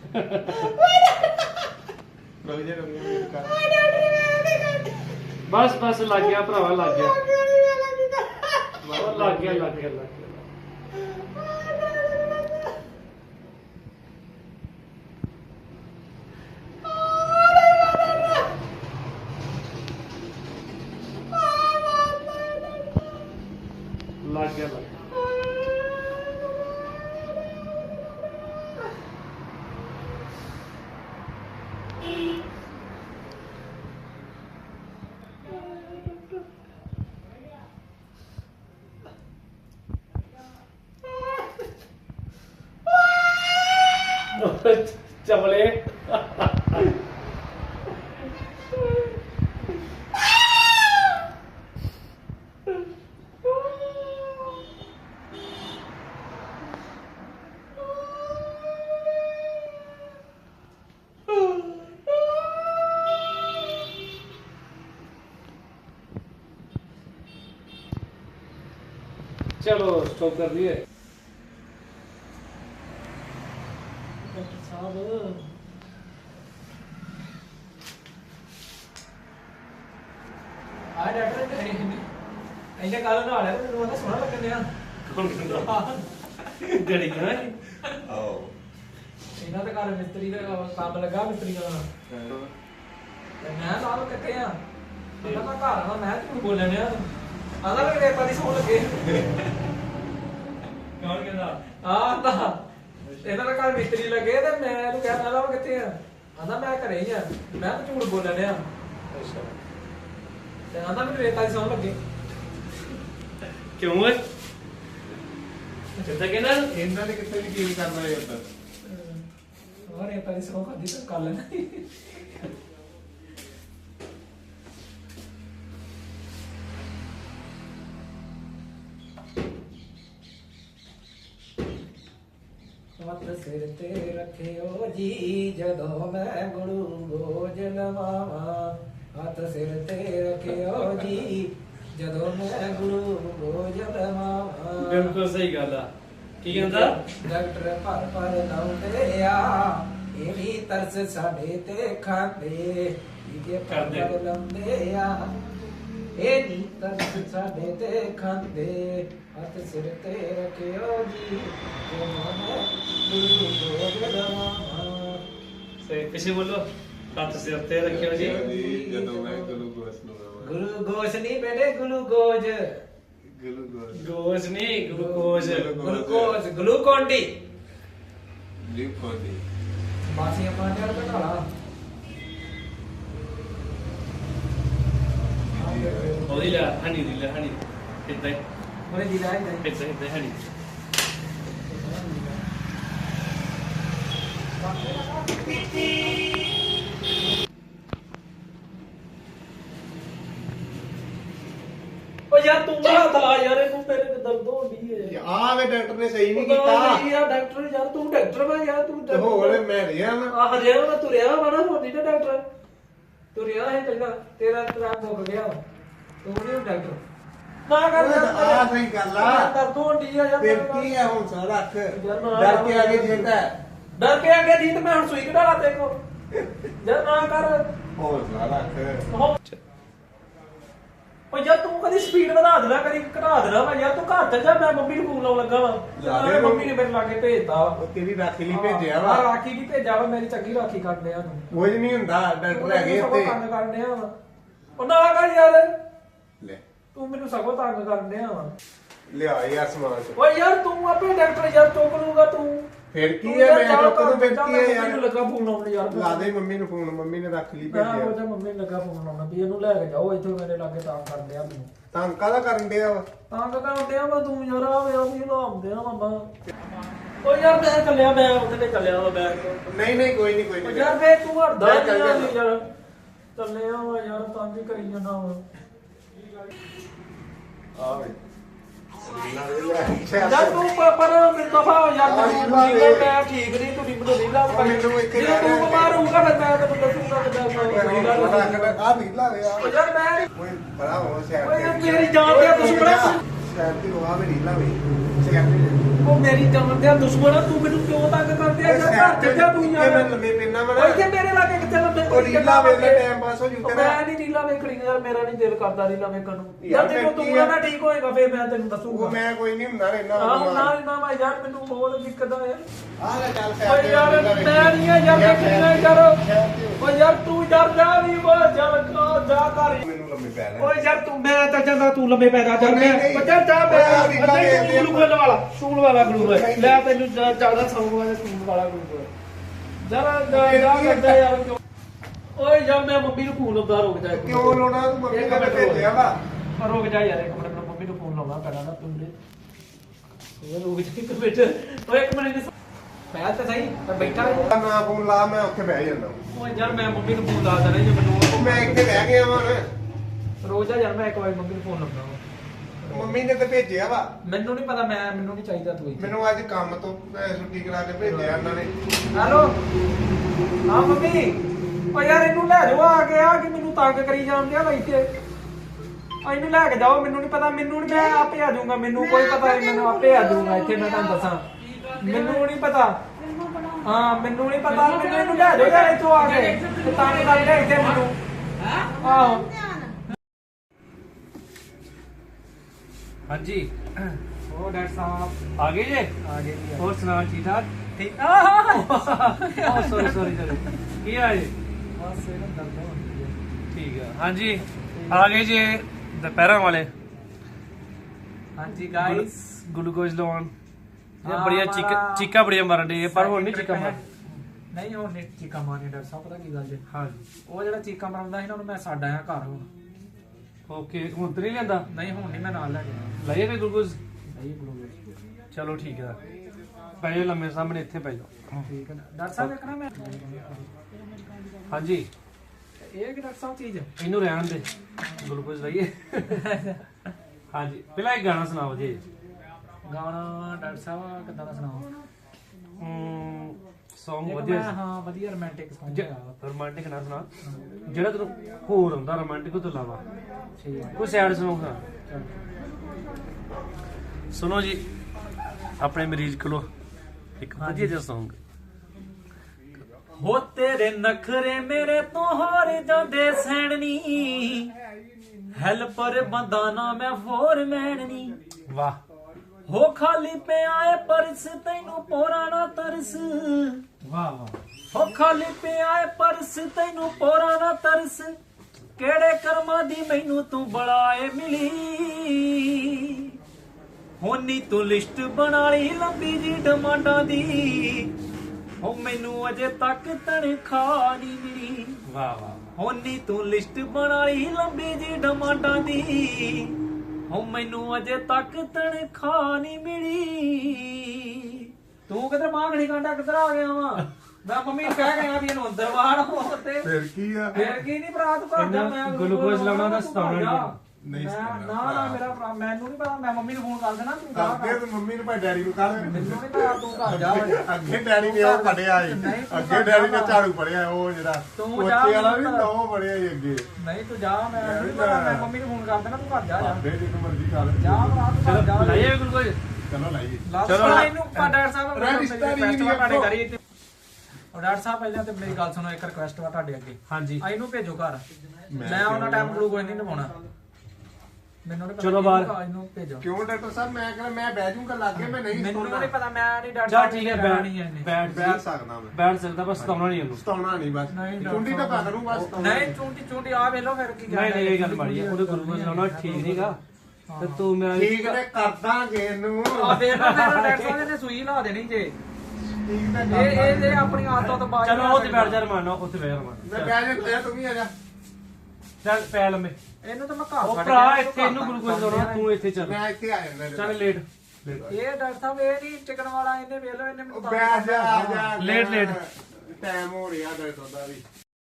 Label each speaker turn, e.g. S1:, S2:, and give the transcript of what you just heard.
S1: बस बस लग गया भरावा लग गया लग गया लग गया लग गया लग गया लग चमले चलो स्टॉप कर दिए डॉक्टर साहब
S2: ਆ ਡਾਕਟਰ ਇਹਨੇ ਕੱਲ ਨਾਲ ਆਇਆ ਮੈਨੂੰ ਉਹਦਾ ਸੋਹਣਾ ਲੱਗਣ ਡਿਆ
S1: कौन कहता जड़ी है
S3: ਆਓ
S2: ਇਹਨਾਂ ਦੇ ਘਰ ਮਿਸਤਰੀ ਦਾ ਕੰਮ ਲੱਗਾ ਮਿਸਤਰੀ ਦਾ ਤੇ ਮੈਂ ਨਾਲ ਕੱਟੇ ਆ ਇਹਨਾਂ ਦਾ ਘਰ ਆ ਮੈਂ ਤੈਨੂੰ ਬੋਲਣ ਡਿਆ ਆਦਾ ਲੱਗ ਰੇਤਾ ਦੀ ਸੌਣ ਲੱਗੇ
S1: कौन कहता
S2: ਤਾਂ ਇਹਨਾਂ ਦਾ ਘਰ ਮਿਸਤਰੀ ਲੱਗੇ ਤੇ ਮੈਂ ਇਹਨੂੰ ਕਿਹਾ ਨਾ ਲਾਵਾ ਕਿੱਥੇ ਆ ਆਂਦਾ ਮੈਂ ਘਰੇ ਹੀ ਆ ਮੈਂ ਤਾਂ ਝੂਠ ਬੋਲਣ ਡਿਆ
S1: अच्छा
S2: ਤੇ ਆਂਦਾ ਮੈਨੂੰ ਰੇਤਾ ਦੀ ਸੌਣ ਲੱਗੇ
S1: क्यों है कहता कहना
S3: ਇਹਨਾਂ ਨੇ ਕਿੱਥੇ ਯਕੀਨ ਕਰਨਾ ਹੈ ਉੱਧਰ
S2: ਹੋਰ ਰੇਤਾ ਦੀ ਸੌਣ ਖਾਦੀ ਤਾਂ ਕਰ ਲੈਣਾ ਹੱਥ ਸਿਰ ਤੇ ਰੱਖਿਓ ਜੀ ਜਦੋਂ ਮੈਂ ਗੁਰੂ ਗੋਜ ਲਵਾਵਾਂ ਹੱਥ ਸਿਰ ਤੇ ਰੱਖਿਓ ਜੀ ਜਦੋਂ ਮੈਂ ਗੁਰੂ ਗੋਜ ਲਵਾਵਾਂ
S1: बिल्कुल सही गल है की कहता
S2: ਡਾਕਟਰ ਪਰ ਲਾਉਂਦੇ ਆ ਇਹ ਵੀ ਤਰਸ ਸਾਡੇ ਤੇ ਖਾਂਦੇ ਇਹਦੇ
S1: ਕਰਦੇ।
S2: ਪਰ ਲਾਉਂਦੇ ਆ ਇਹ ਨਹੀਂ ਤਰਸ ਸਾਡੇ ਤੇ ਖਾਂਦੇ ਹੱਥ ਸਿਰ ਤੇ ਰੱਖਿਓ ਜੀ ਜਦੋਂ ਮੈਂ ਗੁਰੂ ਗੋਜ ਲਵਾਵਾਂ
S1: सही पीछे बोलो हाथ सिर ते रखियो जी
S3: ਜਦੋਂ ਮੈਂ ਗਲੂਕੋਸ ਨੂੰ ਆਵਾਂ
S2: ਗੁਰੂ ਗੋਸ਼ ਨਹੀਂ ਬੇਟੇ ਗਲੂਕੋਜ਼
S3: ਗਲੂਕੋਸ
S1: गोश नहीं ग्लूकोज
S2: ਗਲੂਕੋਜ਼ ਗਲੂਕੋਂਡੀ
S3: ਲਿਪੋਡੀ
S2: ਬਾਸੀਆਂ ਪਾਣਿਆ ਘਟਾਲਾ
S1: ਉਹਦੀ ਲੈ ਹਣੀ ਦੀ ਲੈ ਹਣੀ ਇੱਦਾਂ ਹੀ
S2: ਉਹਨੇ ਦੀ ਲਾਈ ਨਹੀਂ
S1: ਇੱਦਾਂ ਇੱਦਾਂ ਹਣੀ ਉਹ ਯਾਰ ਤੂੰ ਹੱਥ ਲਾ ਯਾਰ ਇਹਨੂੰ ਮੇਰੇ ਤੇ ਦਰਦ ਹੋਣੀ ਹੈ
S3: ਆ ਵੇ ਡਾਕਟਰ ਨੇ ਸਹੀ ਨਹੀਂ
S2: ਨਹੀਂ
S3: ਕੀਤਾ
S2: ਯਾਰ ਡਾਕਟਰ ਯਾਰ ਤੂੰ ਡਾਕਟਰ ਵਾ ਯਾਰ ਤੂੰ
S3: ਤੇ ਹੋਰ ਮੈਂ ਰਿਹਾ ਨਾ
S2: ਆਹ ਰਿਹਾ ਮੈਂ ਤੁਰਿਆ ਵਾ ਨਾ ਹੋਣੀ ਨਾ ਡਾਕਟਰ ਤੁਰਿਆ ਹੈ ਪਹਿਲਾਂ ਤੇਰਾ ਤਰਾ ਮੁੱਕ ਗਿਆ ਵਾ। ਤੂੰ ਨਹੀਂ ਡਾਕਟਰ ਨਾ ਕਰ
S3: ਆ ਸਹੀ ਗੱਲ ਆ
S2: ਦਰਦ ਹੋਣੀ ਆ ਯਾਰ
S3: ਫਿਰ ਕੀ ਹੈ ਹੁਣ ਸਾਰਾ ਅੱਖ
S2: ਯਾਰ ਨਾ-
S3: ਡਰ ਕੇ ਆਗੇ ਜਿੰਦਾ
S2: ਡਰ ਕੇ ਅੱਗੇ ਜੀਤ ਮੈਂ ਹੁਣ ਸੂਈ ਕਢਾਲਾ ਤੇ ਕੋ ਯਾਰ ਨਾ ਕਰ
S3: ਹੋਰ ਸਾਰਾ ਅੱਖ
S2: ਓ ਯਾਰ ਤੂੰ ਕਦੀ ਸਪੀਡ ਵਧਾ ਦੇਣਾ ਕਦੀ ਘਟਾ ਦੇਣਾ ਵਾ ਯਾਰ ਤੂੰ ਘਰ ਚੱਲ ਜਾ ਮੈਂ ਮੰਮੀ ਨੂੰ ਫੋਨ ਲਾਉਣ ਲੱਗਾ ਵਾ
S3: ਲਾ ਦੇ
S2: ਮੰਮੀ ਨੇ ਮੇਰੇ ਲਾਗੇ ਭੇਜਤਾ
S3: ਉਹ ਤੇਰੀ ਰਾਖੀ ਲਈ ਭੇਜਿਆ ਵਾ
S2: ਆਹ ਰਾਖੀ ਵੀ ਭੇਜਿਆ ਵਾ ਮੇਰੀ ਚੰਗੀ ਰਾਖੀ ਕਰਦੇ ਆ ਤੂੰ
S3: ਕੁਝ ਨਹੀਂ ਹੁੰਦਾ ਡਾਕਟਰ ਹੈਗੇ
S2: ਸਗੋਂ
S3: ਇੱਥੇ
S2: ਤੰਗ ਕਰਦੇ ਆ ਵਾ ਉਹ ਨਾ ਕਰ ਯਾਰ
S3: ਲੈ
S2: ਤੂੰ ਮੈਨੂੰ ਸਗੋਂ ਤੰਗ ਕਰਦੇ ਆ ਵਾ
S3: ਲਿਆ ਯਾਰ ਸਮਾਨ
S2: ਓਏ ਯਾਰ ਤੂੰ ਆਪੇ ਡਾਕਟਰ ਯਾਰ ਚੁੱਕ ਲੂਗਾ ਤੂੰ
S3: ਫਿਰ ਕੀ ਹੈ ਮੈਂ ਡਾਕਟਰ ਨੂੰ ਫਿਰ ਕੀ ਹੈ
S2: ਮੈਨੂੰ
S3: ਯਾਰ
S2: ਲੱਗਾ ਫੋਨ ਆਉਣ ਯਾਰ
S3: ਲਾ ਦੇ ਮੰਮੀ ਨੂੰ ਫੋਨ ਮੰਮੀ ਨੇ ਰੱਖ ਲਈ
S2: ਮੈਂ
S3: ਭੇਜਿਆ
S2: ਉਹਦਾ ਮੰਮੀ ਨੂੰ ਲੱਗਾ ਫੋਨ ਆਉਣਾ ਵੀ ਇਹਨੂੰ ਲੈ ਕੇ ਜਾਓ ਇੱਥੋਂ ਮੇਰੇ ਲਾਗੇ ਤੰਗ ਕਰਦੇ ਆ ਮੈਨੂੰ
S3: ਤਾਂ ਕਾਹਦਾ ਕਰਨ ਡਿਆ ਵਾ
S2: ਤੰਗ ਕਰਦੇ ਆ ਮੈਂ ਤੂੰ ਯਾਰ ਆ ਮੇਰਾ ਵੀ ਲਾਉਂਦੇ ਆ ਮਾਮਾ ਓ ਯਾਰ ਮੈਂ ਚੱਲਿਆ ਮੈਂ ਉੱਥੇ ਤੇ ਚੱਲਿਆ ਵਾ ਬੈਗ
S3: ਨਹੀਂ ਨਹੀਂ ਕੋਈ ਨਹੀਂ ਕੋਈ
S2: ਓ
S3: ਨਹੀਂ
S2: ਯਾਰ ਫੇਰ ਤੂੰ ਹਟਦਾ
S3: ਮੈਂ ਚੱਲ
S2: ਨਹੀਂ
S3: ਜਾਣਾ।
S2: ਯਾਰ ਚੱਲਿਆ ਵਾ ਯਾਰ ਤੰਗ ਹੀ ਕਰੀ ਜਾਂਦਾ ਵਾ
S3: ਆ ਵੇ
S2: ਯਾਰ ਤੂੰ ਪਰ ਦਫਾ ਹੋ ਯਾਰ ਮੈਂ ਠੀਕ ਨਹੀਂ ਤੂੰ ਮੈਨੂੰ ਨਹੀਂ ਲਾ
S3: ਮੈਨੂੰ ਇੱਥੇ
S2: ਜੇ ਤੂੰ ਬਿਮਾਰ ਹੋਊਗਾ ਫਿਰ ਮੈਂ ਤੈਨੂੰ ਦੱਸੂਗਾ ਕਿਦਾਂ
S3: ਆ ਵੀ ਲਾ ਲਿਆ
S2: ਓ ਯਾਰ ਮੈਂ
S3: ਓਏ ਬੜਾ ਹੋ
S2: ਓਏ
S3: ਸਿਆਰ
S2: ਯਾਰ ਮੇਰੀ ਜਾਨ ਦੇ ਦੁਸ਼ਮਣ
S3: ਸਿਆਰ ਤੇ ਉਹ ਆ ਵੀ ਲਾ ਵੇ
S2: ਉਹ ਮੇਰੀ ਜਾਨ ਦੇ ਦੁਸ਼ਮਣ ਆ, ਤੂੰ ਮੈਨੂੰ ਕਿਉਂ ਤੰਗ ਕਰਦੇ ਆ ਯਾਰ? ਘਰ ਚੱਲਿਆ ਤੂੰ ਯਾਰ।
S3: ਮੈਂ ਲੰਮੇ ਪੈਣਾ
S2: ਉਹ ਇੱਥੇ ਮੇਰੇ ਲਾਗੇ ਕਿੱਥੇ ਲੰਮੇ
S3: ਉਹ ਰੀਲਾ ਵੇਲੇ ਟਾਈਮ ਪਾਸ ਹੋ ਜੂ ਤੇਰਾ।
S2: ਮੈਂ ਨਹੀਂ ਰੀਲਾ ਵੇਖਣੀ ਯਾਰ, ਮੇਰਾ ਨਹੀਂ ਦਿਲ ਕਰਦਾ ਰੀਲਾ ਵੇਖਣ ਨੂੰ
S3: ਯਾਰ
S2: ਯਾਰ। ਤੈਨੂੰ
S3: ਫਿਰ ਕੀ
S2: ਤੂੰ
S3: ਆ?
S2: ਨਾ ਠੀਕ ਹੋਏਗਾ ਫੇਰ ਮੈਂ ਤੈਨੂੰ ਦੱਸੂਗਾ।
S3: ਉਹ ਮੈਂ ਕੋਈ ਨਹੀਂ ਹੁੰਦਾ ਰਹਿਣਾ
S2: ਆਹੋ ਨਾ ਨਾ ਯਾਰ, ਮੈਨੂੰ ਬਹੁਤ ਦਿੱਕਤ ਆ ਯਾਰ।
S3: ਆ ਲੈ ਚੱਲ
S2: ਓਏ ਯਾਰ ਮੈਂ ਨਹੀਂ ਆ ਯਾਰ, ਕਿੰਨਾ ਕਰ। ਓਏ ਯਾਰ ਤੂੰ ਯਾਰ ਜਾ ਨਹੀਂ ਵਾ ਚੱਲ ਜਾ ਕਰ।
S3: ਮੈਨੂੰ ਲੰਮੇ ਪੈ ਲੈ।
S2: ਓਏ ਯਾਰ ਤੂੰ, ਮੈਂ ਤਾਂ ਜਾਂਦਾ, ਤੂੰ ਲੰਮੇ ਪੈ ਜਾ ਚੱਲ। ਮੈਂ
S3: ਨਹੀਂ।
S2: ਬੱਚਾ ਜਾ
S3: ਓਏ ਯਾਰ ਰੀਲਾ ਵੇਖਦੇ ਆ।
S2: ਗਲੂਕੋਜ਼ ਵਾਲਾ ਸੂਲ ਵਾਲਾ ਗਲੂਕੋਜ਼ ਲੈ, ਤੈਨੂੰ ਜ਼ਿਆਦਾ ਸੌਂਗ ਵਾਲਾ ਸੂਲ ਵਾਲਾ ਗਲੂਕੋਜ਼ ਜਰਾ ਜਾ ਕਰਦਾ ਯਾਰ। ਓਏ ਯਾਰ ਮੈਂ ਮੰਮੀ ਨੂੰ ਫੋਨ ਲਾਉਂਦਾ, ਰੁਕ ਜਾ।
S3: ਕਿਉਂ ਲਾਉਣਾ ਤੂੰ? ਮੰਮੀ ਨੇ ਭੇਜਿਆ ਵਾ।
S2: ਰੁਕ ਜਾ ਯਾਰ ਇੱਕ ਮਿੰਟ, ਮੰਮੀ ਨੂੰ ਫੋਨ ਲਾਉਣਾ ਪੈਣਾ ਨਾ ਤੂੰ। ਉਹ ਰੁਕ ਜਾ ਇੱਕ ਮਿੰਟ। ਓਏ ਇੱਕ ਮਿੰਟ ਪਹਿਲ ਤਾਂ ਸਹੀ, ਮੈਂ ਬੈਠਾ।
S3: ਨਾ ਫੋਨ ਲਾ, ਮੈਂ ਉੱਥੇ ਬਹਿ ਜਾਂਦਾ।
S2: ਓਏ ਯਾਰ ਮੈਂ ਮੰਮੀ ਨੂੰ ਫੋਨ ਲਾ ਦੇਣਾ ਜੇ ਮੈਨੂੰ।
S3: ਉਹ ਮੈਂ ਇੱਥੇ ਬਹਿ ਗਿਆ ਵਾਂ ਹੁਣ।
S2: ਰੋਜ਼ ਯਾਰ ਮੈਂ ਇੱਕ ਵਾਰ ਮੰਮੀ ਨੂੰ ਫੋਨ ਲਾਉਂਦਾ।
S3: ਮੰਮੀ ਨੇ ਤੇ ਭੇਜਿਆ ਵਾ।
S2: ਮੈਨੂੰ ਨਹੀਂ ਪਤਾ, ਮੈਨੂੰ ਨਹੀਂ ਚਾਹੀਦਾ ਤੂੰ ਇੱਥੇ।
S3: ਮੈਨੂੰ ਅੱਜ ਕੰਮ ਤੋਂ ਛੁੱਟੀ ਕਰਾ ਕੇ ਭੇਜਿਆ ਉਹਨਾਂ ਨੇ।
S2: ਹੈਲੋ ਹਾਂ ਮੰਮੀ। ਓ ਯਾਰ ਇਹਨੂੰ ਲੈ ਜਾਓ ਆ ਗਿਆ ਕਿ ਮੈਨੂੰ ਤੰਗ ਕਰੀ ਜਾਂਦੇ ਆ ਬਾਈ ਤੇ। ਇਹਨੂੰ ਲੈ ਕੇ ਜਾਓ, ਮੈਨੂੰ ਨਹੀਂ ਪਤਾ, ਮੈਨੂੰ ਨਹੀਂ, ਮੈਂ ਆਪੇ ਆ ਜਾਊਂਗਾ। ਮੈਨੂੰ ਕੋਈ ਪਤਾ ਨਹੀਂ, ਮੈਨੂੰ ਆਪੇ ਆ ਜਾਊਂਗਾ ਇੱਥੇ। ਮੈਂ ਤੁਹਾਨੂੰ ਦੱਸਾਂ, ਮੈਨੂੰ ਨਹੀਂ ਪਤਾ। ਹਾਂ ਮੈਨੂੰ ਨਹੀਂ ਪਤਾ, ਮੈਨੂੰ ਇਹਨੂੰ ਲੈ ਜਾਓ ਯਾਰ ਇੱਥੋਂ ਆ ਕੇ। ਤੇ ਤੰਗ ਕਰਦੇ ਇੱਥੇ ਮੈਨੂੰ। ਆਹੋ
S1: ਹਾਂਜੀ
S2: ਉਹ ਡਾਕਟਰ ਸਾਹਿਬ
S1: ਆ ਗਏ ਜੇ?
S2: ਆ ਗਏ ਜੀ।
S1: ਹੋਰ ਸੁਣਾ, ਠੀਕ ਠਾਕ?
S2: ਠੀਕ
S1: ਸੌਰੀ ਕੀ ਆ ਜੀ?
S2: ਬਸ ਇਹਨਾਂ ਦਰਦ ਹੁੰਦੀ ਹੈ।
S1: ਠੀਕ ਆ। ਹਾਂਜੀ ਆ ਗਏ ਜੇ ਦੁਪਹਿਰਾਂ ਵਾਲੇ
S2: ਹਾਂਜੀ ਗਾਇਸ,
S1: ਗਲੂਕੋਜ਼ ਲਵਾਉਣ। ਇਹ
S2: ਹਾਂ,
S1: ਬੜੀਆਂ
S2: ਹਮਾਰਾ
S1: ਚੀਕਾਂ ਬੜੀਆਂ ਮਾਰਨ ਦੇ, ਪਰ ਹੁਣ ਨਹੀਂ ਚੀਕਾਂ ਮਾਰ।
S2: ਨਹੀਂ ਉਹ ਨਹੀਂ ਚੀਕਾਂ ਮਾਰਨੀ ਡਾਕਟਰ ਸਾਹਿਬ, ਪਤਾ ਕੀ ਗੱਲ ਜੇ?
S1: ਹਾਂਜੀ
S2: ਉਹ ਜਿਹੜਾ ਚੀਕਾਂ ਮਾਰਦਾ ਸੀ ਨਾ, ਉਹਨੂੰ ਮੈਂ ਛੱਡ ਆਇਆ ਘਰ। ਹੁਣ
S1: ਓਕੇ, ਹੁਣ ਤੇ ਨਹੀਂ ਲੈਂਦਾ?
S2: ਨਹੀਂ ਹੁਣ ਨਹੀਂ, ਮੈਂ ਨਾਲ ਲੈ ਗਿਆ।
S1: ਲਈਏ ਫਿਰ ਗਲੂਕੋਜ਼?
S2: ਨਹੀਂ ਗਲੂਕੋਜ਼
S1: ਚਲੋ ਠੀਕ ਆ, ਪੈ ਜਾਓ ਲੰਮੇ ਸਾਹਮਣੇ, ਇੱਥੇ ਪੈ ਜਾਓ।
S2: ਠੀਕ ਹੈ ਨਾ ਡਾਕਟਰ ਸਾਹਿਬ, ਵੇਖਣਾ ਮੈਂ।
S1: ਹਾਂਜੀ
S2: ਇਹ ਕਿ ਡਾਕਟਰ ਸਾਹਿਬ ਚੀਜ਼
S1: ਇਹਨੂੰ ਰਹਿਣ ਦੇ, ਗਲੂਕੋਜ਼ ਲਈਏ। ਹਾਂਜੀ ਪਹਿਲਾਂ ਇੱਕ ਗਾਣਾ ਸੁਣਾਓ ਜੀ।
S2: ਗਾਣਾ ਡਾਕਟਰ ਸਾਹਿਬ ਕਿੱਦਾਂ ਦਾ ਸੁਣਾਓ?
S1: ਸੌਂਗ
S2: ਇੱਕ
S1: ਵਧੀਆ,
S2: ਮੈਂ ਹਾਂ ਵਧੀਆ ਰੋਮਾਂਟਿਕ ਸੌਂਗ ਹੈਗਾ।
S1: ਰੋਮਾਂਟਿਕ ਨਾ ਸੁਣਾ ਜਿਹੜਾ ਤੈਨੂੰ ਹੋਰ ਆਉਂਦਾ ਰੋਮਾਂਟਿਕ ਤੋਂ ਇਲਾਵਾ।
S2: ਠੀਕ ਹੈ
S1: ਕੋਈ ਸੈਡ ਸੁਣਾਓ ਸੁਣਾ।
S2: ਚਲ।
S1: ਸੁਣੋ ਜੀ ਆਪਣੇ ਮਰੀਜ਼ ਕੋਲੋਂ ਇੱਕ ਵਧੀਆ ਜਿਹਾ ਸੌਂਗ।
S2: ਹੋ ਤੇਰੇ ਨਖਰੇ ਮੇਰੇ ਤੋਂ ਹੋਰ ਜਾਂਦੇ ਸੈਣਨੀ, ਹੈਲਪਰ ਬੰਦਾ ਨਾ ਮੈਂ ਫੋਰਮੈਨ ਨੀ।
S1: ਵਾਹ
S2: ਹੋ ਖਾਲੀ ਪਿਆ ਏ ਪਰਸ, ਤੈਨੂੰ ਪੋਰਾ ਨਾ ਤਰਸ।
S1: ਵਾਹ ਵਾਹ।
S2: ਹੋ ਖਾਲੀ ਪਿਆ ਏ ਪਰਸ, ਤੈਨੂੰ ਪੋਰਾ ਨਾ ਤਰਸ। ਕਿਹੜੇ ਕਰਮਾਂ ਦੀ ਮੈਨੂੰ ਤੂੰ ਬੜਾ ਏ ਮਿਲੀ, ਹੋਨੀ ਤੂੰ ਲਿਸਟ ਬਣਾ ਲਈ ਲੰਬੀ ਜੀ ਡਿਮਾਂਡਾਂ ਦੀ। ਹੋ ਮੈਨੂੰ ਅਜੇ ਤੱਕ ਤਨਖਾਹ ਨਹੀਂ ਮਿਲੀ।
S1: ਵਾਹ ਵਾਹ।
S2: ਹੋਨੀ ਤੂੰ ਲਿਸਟ ਬਣਾ ਲਈ ਲੰਬੀ ਜੀ ਡਿਮਾਂਡਾਂ ਦੀ। ਹੋ ਮੈਨੂੰ ਅਜੇ ਤੱਕ ਤਨਖਾਹ ਨਹੀਂ ਮਿਲੀ। ਤੂੰ ਕਿਧਰ ਮਾਂਗਣੀ ਕਾਂਡਾ ਕਿੱਧਰ ਆ ਗਿਆ ਵਾ? ਮੈਂ ਮੰਮੀ ਨੂੰ ਕਹਿ ਗਿਆ ਵੀ ਇਹਨੂੰ ਅੰਦਰ ਵਾੜ ਹੋ ਤੇ
S3: ਫਿਰ ਕੀ ਆ?
S2: ਫੇਰ ਕੀ ਨਹੀਂ ਭਰਾ, ਤੂੰ ਘਰ ਜਾ। ਮੈਂ
S1: ਗਲੂਕੋਜ਼ ਲਾਉਣਾ ਤਾਂ ਸਤਾਉਣਾ
S3: ਨਹੀਂ
S2: ਮੈਂ- ਨਾ ਨਾ ਮੇਰਾ ਭਰਾ, ਮੈਨੂੰ ਨਹੀਂ ਪਤਾ। ਮੈਂ ਮੰਮੀ ਨੂੰ ਫੋਨ ਕਰ ਦੇਣਾ, ਤੂੰ ਜਾ
S3: ਕਰਦੇ ਤੇ ਮੰਮੀ ਨੂੰ ਭਾਈ ਡੈਡੀ ਨੂੰ ਕਰ।
S2: ਮੈਨੂੰ ਨਹੀਂ ਪਤਾ, ਤੂੰ ਘਰ ਜਾ।
S3: ਅੱਗੇ ਡੈਡੀ ਨੇ ਉਹ ਪੜਿਆ ਏ।
S2: ਨਹੀਂ, ਤੂੰ
S3: ਅੱਗੇ ਡੈਡੀ ਨੇ ਝਾੜੂ ਪੜਿਆ, ਉਹ ਜਿਹੜਾ
S2: ਤੂੰ
S3: ਪੋਚੇ
S2: ਜਾ,
S3: ਵਾਲਾ ਵੀ
S2: ਮੈਨੂੰ
S3: ਤਾਂ ਉਹ ਪੜਿਆ ਏ ਅੱਗੇ।
S2: ਨਹੀਂ ਤੂੰ ਜਾ, ਮੈਂ ਨਹੀਂ ਪਤਾ। ਮੈਂ ਮੰਮੀ ਨੂੰ ਫੋਨ ਕਰ ਦੇਣਾ, ਤੂੰ ਘਰ ਜਾ।
S3: ਬਾਬੇ ਦੀ ਮਰਜ਼ੀ ਕਰ।
S2: ਜਾ ਭਰਾ, ਤੂੰ ਘਰ ਜਾ।
S1: ਲਾਈਏ ਗਲੂਕੋਜ਼?
S3: ਚਲੋ ਲਾਈਏ।
S2: ਚਲੋ ਇਹਨੂੰ ਡਾਕਟਰ ਸਾਹਿਬ
S3: ਰਜਿਸਟਰੀ
S2: ਰਿਕਵੈਸਟ
S3: ਵੀ
S2: ਤੁਹਾਡੇ
S3: ਰੱਖੋ।
S2: ਕਰੀ। ਡਾਕਟਰ ਸਾਹਿਬ ਪਹਿਲਾਂ ਤੇ ਮੇਰੀ ਗੱਲ ਸੁਣੋ, ਇੱਕ ਰਿਕਵੈਸਟ ਵਾ ਤੁਹਾਡੇ ਅੱਗੇ।
S1: ਹਾਂਜੀ
S2: ਆ ਇਹਨੂੰ ਭੇਜੋ ਘਰ। ਮੈਂ ਉਹਨਾਂ ਟਾਈਮ ਗਲੂਕੋਜ਼ ਨਹੀਂ ਨਿਭਾਉਣਾ। ਮੈਨੂੰ ਨਹੀਂ ਪਤਾ,
S1: ਚਲੋ ਬਾਹਰ।
S2: ਇਹਨੂੰ ਭੇਜੋ।
S3: ਕਿਉਂ ਡਾਕਟਰ ਸਾਹਿਬ? ਮੈਂ ਕਹਿੰਦਾ ਮੈਂ ਬਹਿ ਜਾਊਂਗਾ ਲਾਗੇ, ਮੈਂ ਨਹੀਂ
S2: ਮੈਨੂੰ
S3: ਸਤਾਉਣਾ।
S2: ਨਹੀਂ ਪਤਾ, ਮੈਂ ਨਹੀਂ ਡਾਕਟਰ
S1: ਚਾ
S2: ਸਾਹਿਬ
S1: ਠੀਕ ਹੈ,
S2: ਬੈਠ ਨਹੀਂ ਇਹਨੇ।
S3: ਬੈਠ ਸਕਦਾ ਮੈਂ।
S1: ਬੈਠ ਸਕਦਾ, ਬਸ ਸਤਾਉਣਾ ਨਹੀਂ ਉਹਨੂੰ।
S3: ਸਤਾਉਣਾ ਨਹੀਂ ਬਸ।
S2: ਨਹੀਂ,
S3: ਚੁੰਡੀ ਤਾਂ ਪਾ ਕਰੂੰ ਬਸ। ਸਤਾਉਣਾ
S2: ਨਹੀਂ ਚੁੰਡੀ ਚੁੰਡੀ ਆ ਵੇਲੋ ਫਿਰ ਕੀ
S1: ਨਹੀਂ ਨਹੀਂ ਇਹ ਗੱਲ ਮਾੜੀ ਹੈ, ਉਹਦੇ ਗਲੂਕੋਜ਼ ਲਾਉਣਾ ਠੀਕ ਨਹੀਂਗਾ। ਤੇ ਤੂੰ ਮੇਰਾ
S3: ਠੀਕ ਨੇ ਕਰਦਾਂਗੇ ਇਹਨੂੰ।
S2: ਆ ਵੇਲੋ ਫਿਰ ਡਾਕਟਰ ਸਾਹਿਬ ਨੇ ਸੂਈ ਲਾ ਦੇਣੀ ਜੇ।
S3: ਠੀਕ ਤਾਂ
S2: ਇਹ ਆਪਣੀ ਆਦਤਾਂ ਤੋਂ ਬਾਅਦ।
S1: ਚਲੋ ਉੱਥੇ ਬੈਠ ਜਾ ਰਮਾਨਾ, ਉੱਥੇ ਬੈਠ ਰਮਾਨਾ।
S3: ਮੈਂ ਬਹਿ ਜਾ, ਤੂੰ ਵੀ ਆ ਜਾ।
S1: ਚੱਲ ਪੈ ਲੰਮੇ।
S2: ਇਹਨੂੰ ਤਾਂ ਮੈਂ ਘਰ
S1: ਉਹ
S2: ਛੱਡ
S1: ਭਰਾ
S2: ਗਿਆ,
S1: ਇੱਥੇ ਇਹਨੂੰ ਗਲੂਕੋਜ਼ ਲਾਉਣਾ, ਤੂੰ ਇੱਥੇ ਚੱਲ।
S3: ਮੈਂ ਇੱਥੇ ਆ ਜਾਂਦਾ।
S1: ਚੱਲ ਲੇਟ।
S2: ਇਹ ਡਾਕਟਰ ਸਾਹਿਬ ਇਹ ਨਹੀਂ ਟਿਕਣ ਵਾਲਾ। ਇਹਨੇ ਵੇਲੋ ਇਹਨੇ ਮੈਨੂੰ
S3: ਬੈਠ ਜਾ, ਆ ਜਾ।
S1: ਲੇਟ।
S3: ਟਾਈਮ ਹੋ ਰਿਹਾ ਡਾਕਟਰ ਦਾ ਵੀ।